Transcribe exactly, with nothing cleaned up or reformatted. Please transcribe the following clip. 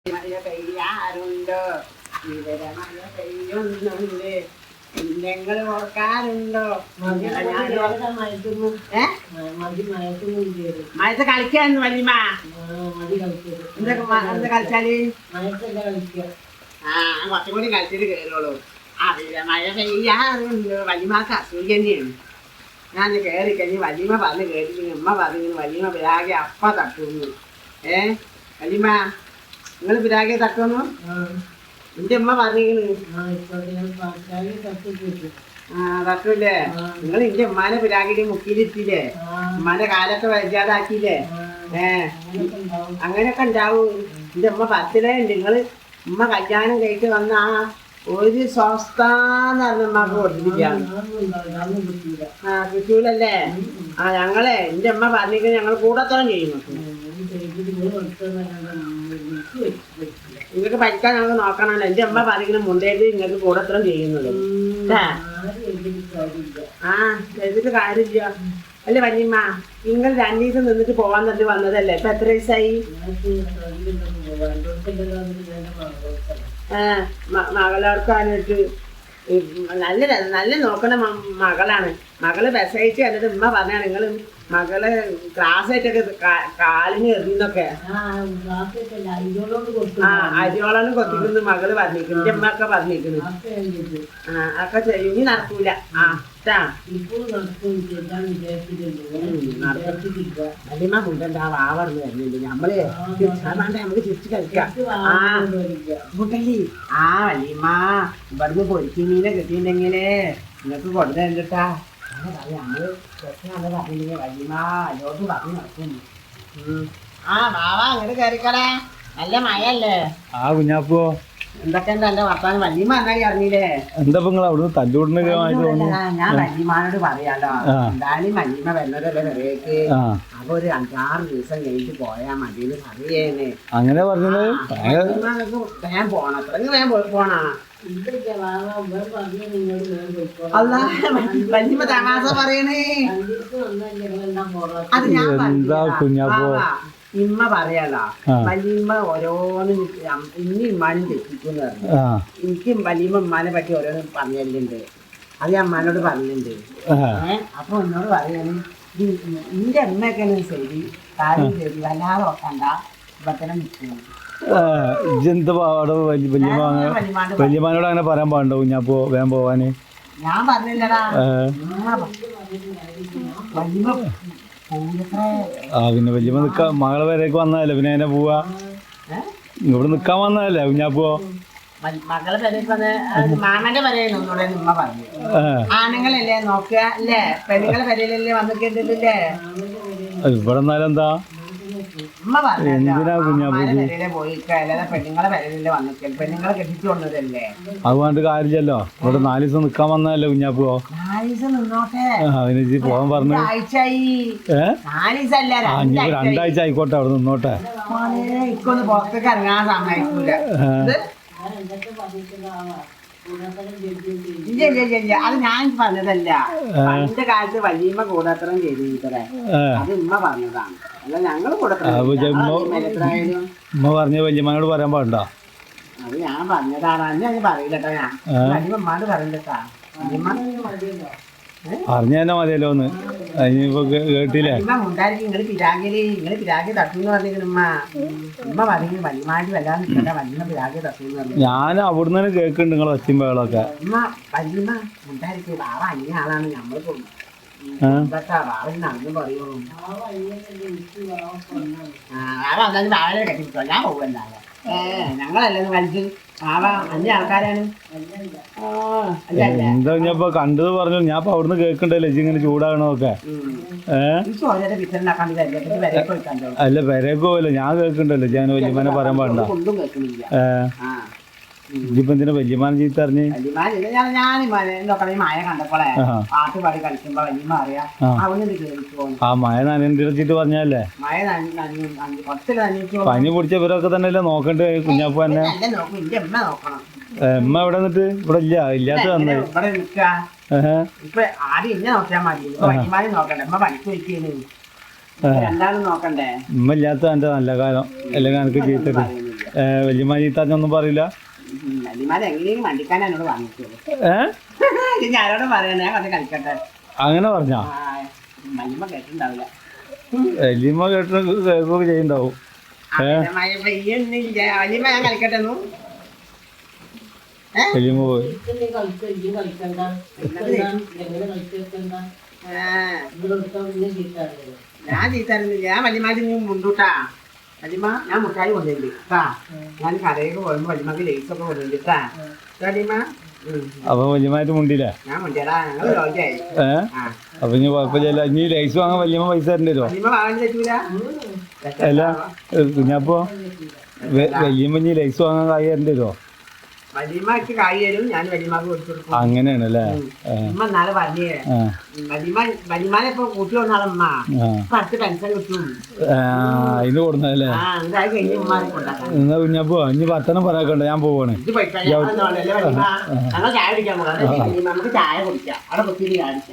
മഴ പെയ്യാറുണ്ടോ? ഇവിടെ മഴ പെയ്യുന്നുണ്ട്. നിങ്ങൾ ഓർക്കാറുണ്ടോ? മഴത്ത് കളിക്കാന്ന് വല്യമ്മ എന്തൊക്കെ കളിച്ചാല് ആ കുറച്ചും കൂടി കളിച്ചിട്ട് കയറുള്ളൂ. അവിടെ മഴ പെയ്യാറുണ്ടോ? വല്യമ്മക്ക് അസുഖം തന്നെയാണ്. ഞാൻ കയറി കഴിഞ്ഞ് വല്യമ്മ പറഞ്ഞ് കേട്ടിട്ട് ഉമ്മ പറഞ്ഞു വല്യമ്മ പിരാകെ അപ്പ തട്ടുന്നു. ഏ വല്യമ്മ നിങ്ങൾ പിരാകെ തട്ടുന്നു? എന്റെ ഉമ്മ പറഞ്ഞിരിക്കണ് ആ തട്ടൂല്ലേ? നിങ്ങൾ എന്റെ ഉമ്മാനെ പിരാകിന്റെ മുക്കിലിട്ടില്ലേ? ഉമ്മാന്റെ കാലൊക്കെ വൈകാതാക്കിയില്ലേ? ഏ അങ്ങനെയൊക്കെ ഉണ്ടാവും. എന്റെ ഉമ്മ ബർത്ത്ഡേ ഉണ്ട്. നിങ്ങള് ഉമ്മ കല്യാണം കഴിച്ച് വന്ന ആ ഒരു സ്വസ്ഥാന്ന് പറഞ്ഞ ഉമ്മക്ക് കൊടുത്തിട്ടില്ല. ആ കിട്ടൂലല്ലേ? ആ ഞങ്ങളെ എന്റെ ഉമ്മ പറഞ്ഞിരിക്കുന്നത് ഞങ്ങൾ കൂടത്തോളം ചെയ്യുന്നു. നിങ്ങൾക്ക് പഠിക്കാൻ ഞങ്ങൾക്ക് നോക്കണമല്ലോ. എന്റെ അമ്മ പറയുന്നത് മുണ്ടേല് നിങ്ങൾക്ക് കൂടത്രം ചെയ്യുന്നത് ആ ചെയ്തിട്ട് കാര്യമില്ല. അല്ലേ വല്യമ്മ നിങ്ങൾ രണ്ടു ദിവസം നിന്നിട്ട് പോവാൻ തന്നെ വന്നതല്ലേ? ഇപ്പൊ എത്ര ദിവസമായി? ആ മകളോർക്കാനിട്ട് നല്ല നല്ല നോക്കണ മകളാണ്. മകള് വിസയിച്ച് എന്നിട്ട് ഉമ്മ പറഞ്ഞാണ് നിങ്ങൾ മകള് ക്ലാസ്സായിട്ടൊക്കെ കാലിന് എറിയുന്നൊക്കെ ആ അരിയോളാണ് കൊത്തിക്കുന്നു മകള് പറഞ്ഞിരിക്കുന്നു. എന്റെ അമ്മ ഒക്കെ പറഞ്ഞിരിക്കുന്നു. ആ ഒക്കെ ചെയ്യും. ഇനി നടക്കൂല. ആ വല്യമ്മ മുണ്ടണ്ടാ വാവർന്ന് വരുന്നുണ്ട്. നമ്മള് വേണ്ട നമുക്ക് തിരിച്ചു കളിക്കാം. ആ മുണ്ടല്ലേ? ആ വല്യമ്മ ഇവിടുന്ന് പൊരിച്ചു മീനെ കിട്ടിയിട്ടുണ്ടെങ്കിലേ നിങ്ങൾക്ക് കൊടുത്തരണ്ടാ. നമ്മള് പറഞ്ഞില്ലെങ്കിൽ വല്യമ്മ അല്ലോട്ട് പറഞ്ഞു നടക്കുന്നു. ആ വാവാ അങ്ങോട്ട് കയറിക്കടേ. നല്ല മഴയല്ലേ? ആ കുഞ്ഞാപ്പോ എന്തൊക്കെ എന്റെ വർത്താനം? വല്യമ്മ എന്നായി അറിഞ്ഞില്ലേ? എന്താ അവിടുന്ന് തല്ലുകൂടുന്ന ഞാൻ വല്യമാനോട് പറയാലോ. എന്തായാലും വല്യമ്മ വരുന്നതല്ലേ പെരേക്ക്. അപ്പൊ ഒരു അഞ്ചാറ് ദിവസം കഴിഞ്ഞിട്ട് പോയാ മതിന്ന് പറയേനെ. അങ്ങനെ പറഞ്ഞത് വേഗം പോണം. അത്രയും വേഗം പോണ വല്യമ്മ തമാശ പറയണേ. അത് ഞാൻ കുഞ്ഞാപ്പോ ഇമ്മ പറയാലോ. വല്യമ്മ ഓരോന്നും ഇനി ഇമ്മാനും തെറ്റിക്കുന്നു പറഞ്ഞു. എനിക്കും വല്യമ്മ ഉമ്മാനെ പറ്റി ഓരോന്നും പറഞ്ഞല്ലുണ്ട്. അത് ഞാൻ അമ്മാനോട് പറഞ്ഞിട്ടുണ്ട്. ഏഹ് അപ്പൊ എന്നോട് പറയാണ് നിന്റെ അമ്മയൊക്കെയാണ് ശരി കാര്യം ശരി വല്ലാതെ നോക്കണ്ട ഇപ്പത്തന്നെ നിൽക്കുന്നു. വല്യമാനോട് അങ്ങനെ പറയാൻ പാടുണ്ടോ കുഞ്ഞാപ്പോ വേഗം പോവാന്? ഞാൻ പറഞ്ഞില്ലടാ. വല്യമ്മ ആ പിന്നെ വല്യമ്മ നിക്കാ മകളെ പേരേക്ക് വന്നതല്ലേ പിന്നെ അതിനെ പോവാ? ഇവിടെ നിക്കാൻ വന്നതല്ലേ കുഞ്ഞാപ്പോ? മകളെ പേരേക്ക് വന്ന് മാമന്റെ പേരേന്ന് ഒന്നുകൂടെ ഉമ്മ പറഞ്ഞു. ആണുങ്ങളല്ലേ നോക്കുക അല്ലേ? പെണ്ണുങ്ങളെ പേരയിലല്ലേ വന്നിട്ടുണ്ടല്ലേ? ഇവിടെ എന്നാലും എന്താ എന്തിനാ കുഞ്ഞാപ്പോ പെണ്ണുങ്ങളെ പേരയിലല്ലേ വന്നിട്ട് പെണ്ണുങ്ങളെ കെട്ടിച്ചു വന്നതല്ലേ? അതുകൊണ്ട് കാര്യമില്ലല്ലോ. ഇവിടെ നാല് ദിവസം നിക്കാൻ വന്നതല്ലേ കുഞ്ഞാപ്പോ? നാല് ദിവസം നിന്നോട്ടെ. അതിന് പോവാൻ പറഞ്ഞു. രണ്ടാഴ്ച ആയിക്കോട്ടെ അവിടെ നിന്നോട്ടെ. ഇക്കൊന്ന് പുറത്തേക്ക് ഇറങ്ങാൻ സമ്മതിക്കൂല. ഇല്ല ഇല്ല ഇല്ല അത് ഞാൻ പറഞ്ഞതല്ല. പണ്ട് കാലത്ത് വല്യമ്മ കൂടത്രം ചെയ്തിട്ടേ അത് ഉമ്മ പറഞ്ഞതാണ്. അല്ല ഞങ്ങള് കൂടത്രം ഉമ്മ പറഞ്ഞ വല്യമ്മനോട് പറയാൻ പാടുണ്ടോ? അത് ഞാൻ പറഞ്ഞതാണ്. അന്ന് ഞാൻ പറയില്ലട്ടോ. ഞാൻ വല്യമ്മ ഉമ്മാട് പറയില്ലട്ടാ. വല്യമ്മ അറിഞ്ഞ തന്നെ മതിയല്ലോ ഒന്ന്. അതിനിപ്പോ കേട്ടില്ലേ? ഉണ്ടായിരിക്കും നിങ്ങള് പിരാഗില് നിങ്ങള് പിരാഗി തട്ടുന്ന് പറഞ്ഞിരിക്കുന്നു. ഉമ്മ ഉമ്മ പറയുന്നത് വല്യമാരി വല്ലാതെ നിൽക്കട്ടെ വല്യമ്മ പിരാഗി തട്ടുന്ന് പറഞ്ഞു. ഞാൻ അവിടുന്ന് തന്നെ കേൾക്കുന്നുണ്ട് നിങ്ങളെ ഒച്ചയും ബഹളമൊക്കെ. ഉമ്മ വല്യമ്മ ഉണ്ടായിരിക്കും. വാവ അന്യ ആളാണ്. നമ്മള് വാവ നടന്നു പറയുള്ളൂ. വാവ എന്തായാലും വാവനെ കെട്ടിപ്പിടിച്ചോ. ഞാൻ പോവല്ലാതെ ഞങ്ങളല്ലേ വലിച്ച് വാവ അന്യ ആൾക്കാരാണ്. എന്താ ഞാനിപ്പോ കണ്ടത് പറഞ്ഞു. ഞാൻ ഇപ്പൊ അവിടുന്ന് കേൾക്കണ്ടല്ലോ ഇങ്ങനെ ചൂടാകണമൊക്കെ. അല്ല പെരേക്ക് പോവല്ലോ ഞാൻ കേൾക്കണ്ടല്ലോ. ഞാൻ വല്യമാനെ പറയാൻ പാടണ്ട. ഇതിപ്പോ എന്തിനാ വല്യമാനെ ചീത്ത അറിഞ്ഞ്? ആ മഴ നനച്ചിട്ട് പറഞ്ഞല്ലേ? പനി പിടിച്ച ഇവരൊക്കെ തന്നെ അല്ലേ നോക്കണ്ടേ കുഞ്ഞാപ്പ തന്നെ? എമ്മ എവിടെ നിന്നിട്ട് ഇവിടെ ഇല്ല ഇല്ലാത്ത വന്നേ. ഉമ്മ ഇല്ലാത്ത എന്റെ നല്ല കാലം അല്ലെങ്കിൽ എനിക്ക് ചീത്തട്ട് വല്യമ്മ ചീത്താഞ്ഞൊന്നും പറയില്ല. വല്യമാരെ എങ്ങനെയും വണ്ടിക്കാനാ എന്നോട് വാങ്ങിച്ചോളൂ. ഏഹ് ഇത് ഞാനോട് പറയണേ അത് കളിക്കട്ടെ. അങ്ങനെ പറഞ്ഞാ വല്യമ്മ കേട്ടിട്ടുണ്ടാവില്ല. വല്യമ്മ കേട്ട് കേൾക്കുകയൊക്കെ ചെയ്യുന്നുണ്ടാവും. വല്യമ്മ ഞാൻ കളിക്കട്ടെ. വല്യമ്മ പോയി ഞാൻ ചീത്തരുന്നില്ല. ഞാൻ വല്യമാര് നീ മുണ്ടൂട്ടാ. വല്യമ്മ ഞാൻ മുട്ടായി കൊണ്ടുവരില്ല കേട്ടാ. ഞാൻ കടയൊക്കെ പോകുമ്പോ വല്യമ്മക്ക് ലേസൊക്കെ കൊണ്ടുവരിട്ടാ വല്യമ്മ. അപ്പൊ വല്യമായിട്ട് മുണ്ടില്ലേ? ഞാൻ മുണ്ടിയടാ. ഞങ്ങള് രോഗിയായി. ഏഹ് അപ്പൊ ഇനി കുഴപ്പമില്ല. ഇനി ലൈസ് വാങ്ങാൻ വല്യമ്മ പൈസ തരേണ്ടി വരുമോ? വല്യമ്മ വാങ്ങാൻ പറ്റൂല. അല്ല കുഞ്ഞപ്പോ വല്യമ്മ ഇനി ലൈസ് വാങ്ങാൻ കായ് തരേണ്ടി വരുമോ? വല്യമ്മക്ക് കായ് തരും, ഞാൻ വല്യമ്മക്ക് കൊടുത്തു കൊടുക്കും. അങ്ങനെയാണല്ലേ? ഉമ്മ നാളെ പറഞ്ഞേ വല്യമ്മ വല്യമാനെ ഇപ്പൊ കൂട്ടി വന്നാളമ്മ അടുത്ത് പെൻഷൻ കിട്ടും. അതിന് കൊടുന്നല്ലേ? എന്തായി കഴിഞ്ഞ് ഉമ്മാനെ കൊണ്ടാക്കാം. എന്നാ കുഞ്ഞപ്പോ ഇനി വർത്തനം പറയാക്കണ്ട, ഞാൻ പോവാണ്. ഇത് പൈസ ഞങ്ങൾ ചായ കുടിക്കാൻ പോകാം. നമുക്ക് ചായ കുടിക്കാം. അവിടെ കുത്തിരി കാണിക്കാം.